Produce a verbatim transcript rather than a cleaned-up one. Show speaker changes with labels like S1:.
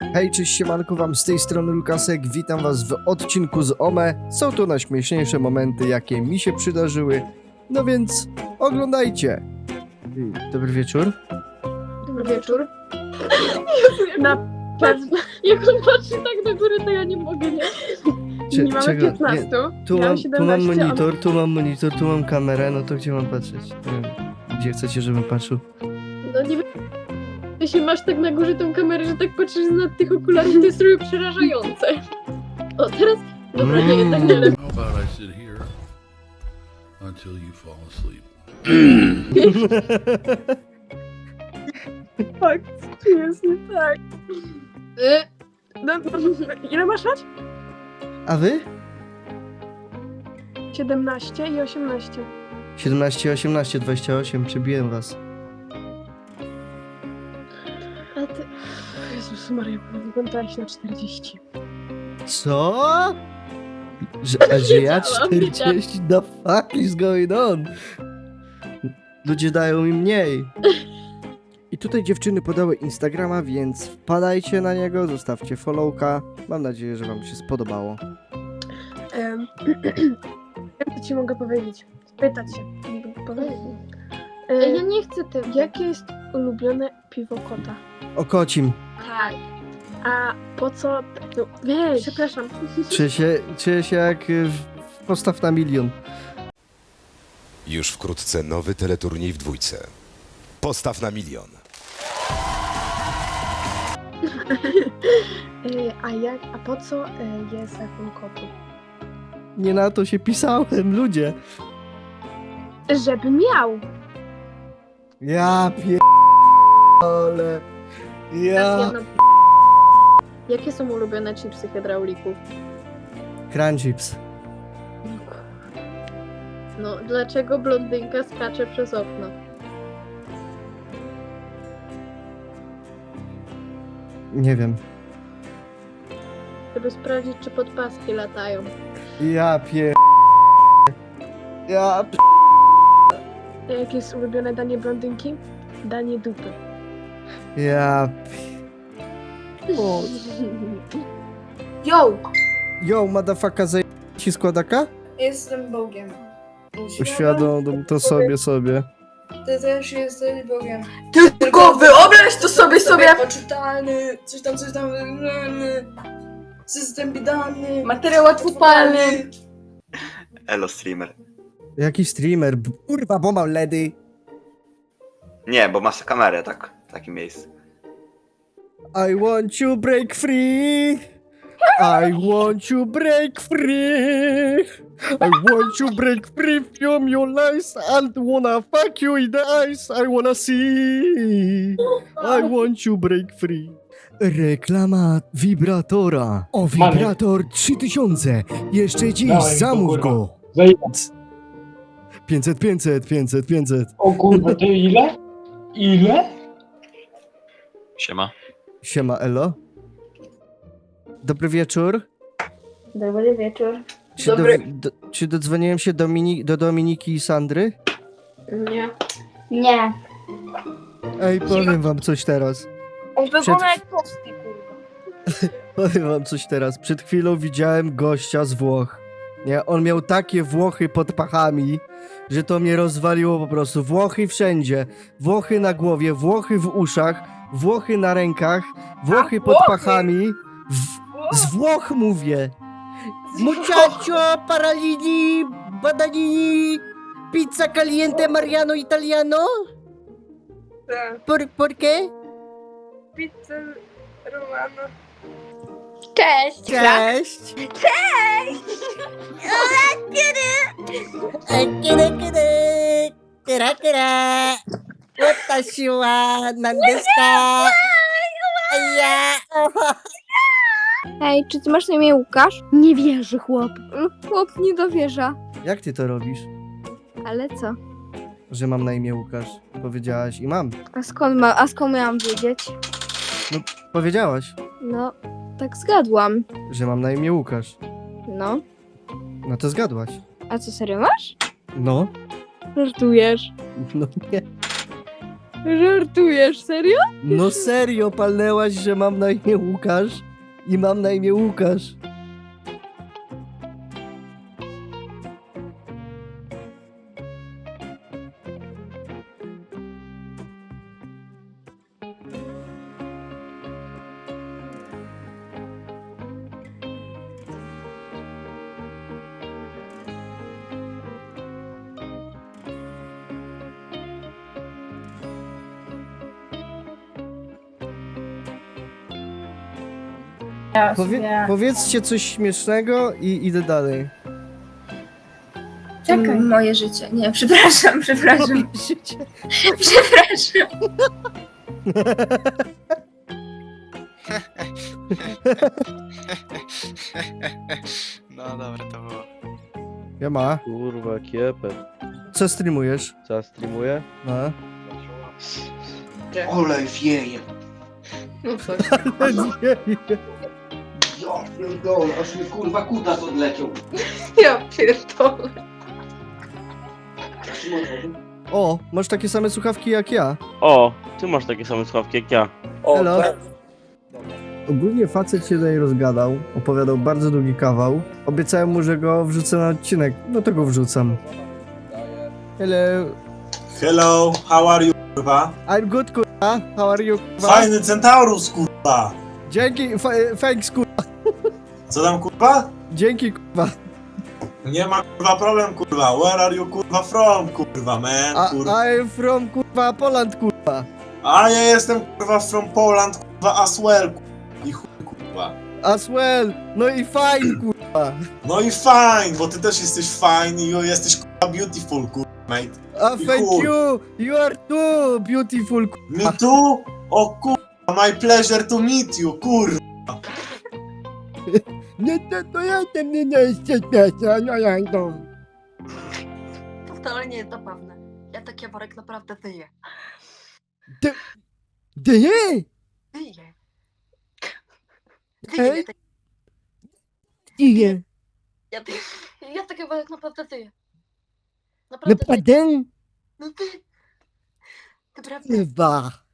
S1: Hej, cześć, siemanko wam, z tej strony Lukasek, witam was w odcinku z Ome. Są to najśmieszniejsze momenty, jakie mi się przydarzyły, no więc oglądajcie. Dobry wieczór.
S2: Dobry wieczór. Na pewno. Jak on patrzy tak do góry, to ja nie mogę, nie?
S1: Cze-
S2: nie mamy
S1: czego?
S2: piętnaście.
S1: Tu
S2: ja
S1: mam, tu mam
S2: siedemnaście,
S1: monitor, tu mam monitor, tu mam kamerę, no to gdzie mam patrzeć? Nie wiem, gdzie chcecie, żebym patrzył?
S2: No nie wiem. Jeśli masz tak na górze tą kamerę, że tak patrzysz na tych okularów, to jest trochę przerażające. O, teraz... Dobra, nie, jednak nie lepiej.
S3: How about I sit here until you fall asleep?
S2: Tak, tu jest nie tak. Y, no, ile masz lat?
S1: A wy?
S2: siedemnaście i osiemnaście.
S1: siedemnaście, osiemnaście, dwadzieścia osiem, przebiłem was.
S2: A ty... Jezus Maria, wyglądałeś na czterdzieści.
S1: Co? Że, a że ja
S2: Wiedziałam,
S1: czterdzieści? The fuck is going on? Ludzie dają mi mniej. I tutaj dziewczyny podały Instagrama, więc wpadajcie na niego, zostawcie followka. Mam nadzieję, że wam się spodobało.
S2: Um, co ci mogę powiedzieć? Spytać się. Mogę powiedzieć? E,
S4: Ja nie chcę tego.
S2: jakie jest ulubione piwo kota?
S1: O kocim.
S4: Tak.
S2: A po co... No, weź, przepraszam.
S1: Czuję się, czuję się jak y, w, w Postaw na milion.
S5: Już wkrótce nowy teleturniej w dwójce. Postaw na milion.
S2: E, a jak... A po co e, jest zakon kotu?
S1: Nie na to się pisałem, ludzie.
S2: Żeby miał.
S1: Ja pierdolę.
S2: Teraz
S1: Ja...
S2: jedno... Jakie są ulubione chipsy hydraulików?
S1: Crunchips.
S2: No, dlaczego blondynka skacze przez okno?
S1: Nie wiem.
S2: Żeby sprawdzić, czy podpaski latają.
S1: Ja pier... Ja pier...
S2: A jakie jest ulubione danie blondynki? Danie dupy.
S1: Ja pier... O.
S4: Yo!
S1: Yo, motherfucker, zaj... ci składaka?
S4: Jestem Bogiem.
S1: Uświadom to sobie, sobie.
S4: Ty też jesteś Bogiem.
S6: Tylko wyobraź to sobie sobie!
S4: Poczytalny, coś tam, coś tam, system bidalny,
S6: Materiał łatwopalny.
S7: Elo streamer.
S1: Jaki streamer? B- Kurwa, bo mam ledy.
S7: Nie, bo masz kamerę tak w takim miejscu.
S1: I want you break free. I want you break free. I want you break free from your lies. I wanna fuck you in the eyes. I wanna see. I want you break free. Reklama wibratora. O, wibrator trzy tysiące. Jeszcze dziś
S8: Dawaj,
S1: zamów
S8: kurwa.
S1: go.
S8: Za ile?
S1: pięćset, pięćset, pięćset, pięćset.
S8: O kurwa, ty ile? Ile?
S9: Siema.
S1: Siema, elo. Dobry wieczór.
S4: Dobry wieczór.
S1: Czy,
S4: Dobry.
S1: Do, do, czy dodzwoniłem się Domini, do Dominiki i Sandry?
S4: Nie. Nie.
S1: Ej, powiem wam coś teraz.
S4: On
S1: Przed-
S4: wygląda jak tosty, kurwa.
S1: Powiem wam coś teraz. Przed chwilą widziałem gościa z Włoch. Nie, on miał takie Włochy pod pachami, że to mnie rozwaliło po prostu. Włochy wszędzie. Włochy na głowie, Włochy w uszach, Włochy na rękach, Włochy pod pachami. W, z Włoch mówię. Muchacho, paralini, bananini, pizza caliente Mariano Italiano?
S4: Tak.
S1: Por, por qué?
S4: Pizza Romano.
S6: Cześć!
S1: Cześć! Kira, kira, kira, kira. Watashi wa nan desu ka? Ja.
S10: Hej, czy ty masz na imię Łukasz? Nie wierzy chłop. Chłop nie dowierza.
S1: Jak ty to robisz,
S10: Ale co?
S1: że mam na imię Łukasz? Powiedziałaś i mam.
S10: A skąd, ma, a skąd miałam wiedzieć?
S1: Powiedziałaś,
S10: No, tak zgadłam.
S1: że mam na imię Łukasz.
S10: No.
S1: No to zgadłaś.
S10: A co, serio masz?
S1: No.
S10: Żartujesz.
S1: No nie.
S10: Żartujesz, serio?
S1: No serio, palnęłaś, że mam na imię Łukasz i mam na imię Łukasz. Powie powiedzcie coś śmiesznego i idę dalej.
S6: Czekaj. Moje życie. Nie, przepraszam, przepraszam. Przepraszam.
S9: No dobra, to było.
S1: Ja ma.
S11: Kurwa, kiepę.
S1: Co streamujesz?
S11: Co ja streamuję?
S1: No.
S7: Olej wieje.
S2: No coś.
S7: Ja pierdolę, aż mi kurwa kutas odleciał.
S2: Ja pierdolę.
S1: O, masz takie same słuchawki jak ja.
S11: O, ty masz takie same słuchawki jak ja.
S1: Hello. Ogólnie facet się tutaj rozgadał, opowiadał bardzo długi kawał. Obiecałem mu, że go wrzucę na odcinek, no to go wrzucam. Hello.
S12: Hello, how are you, kurwa?
S1: I'm good, kurwa. How are you, kurwa?
S12: Fajny Centaurus, kurwa!
S1: Dzięki, fa- thanks, kurwa.
S12: Co tam, kurwa?
S1: Dzięki, kurwa.
S12: Nie ma, kurwa, problem, kurwa. Where are you, kurwa, from, kurwa, man,
S1: A,
S12: kurwa.
S1: I'm from, kurwa, Poland, kurwa.
S12: A ja jestem, kurwa, from Poland, kurwa, as well, kurwa. I chuj, kurwa.
S1: As well. No i fine, kurwa.
S12: No i fine, bo ty też jesteś fine i jesteś, kurwa, beautiful, kurwa, mate.
S1: A
S12: I
S1: thank
S12: chuj.
S1: you. You are too beautiful, kurwa.
S12: Me too? O, kurwa, my pleasure to meet you, kurwa.
S1: Nie, to, to ja tam nie jesteś śmieszna, no jak to.
S6: To wcale nie jest zabawne. Ja taki Jaworek naprawdę tyję.
S1: Ty nie?
S6: Tyję.
S1: Hej? Nie.
S6: Ja, ty, ja taki Jaworek naprawdę tyję. Naprawdę tyję.
S1: Naprawdę?
S6: No ty. Naprawdę.
S1: Chyba.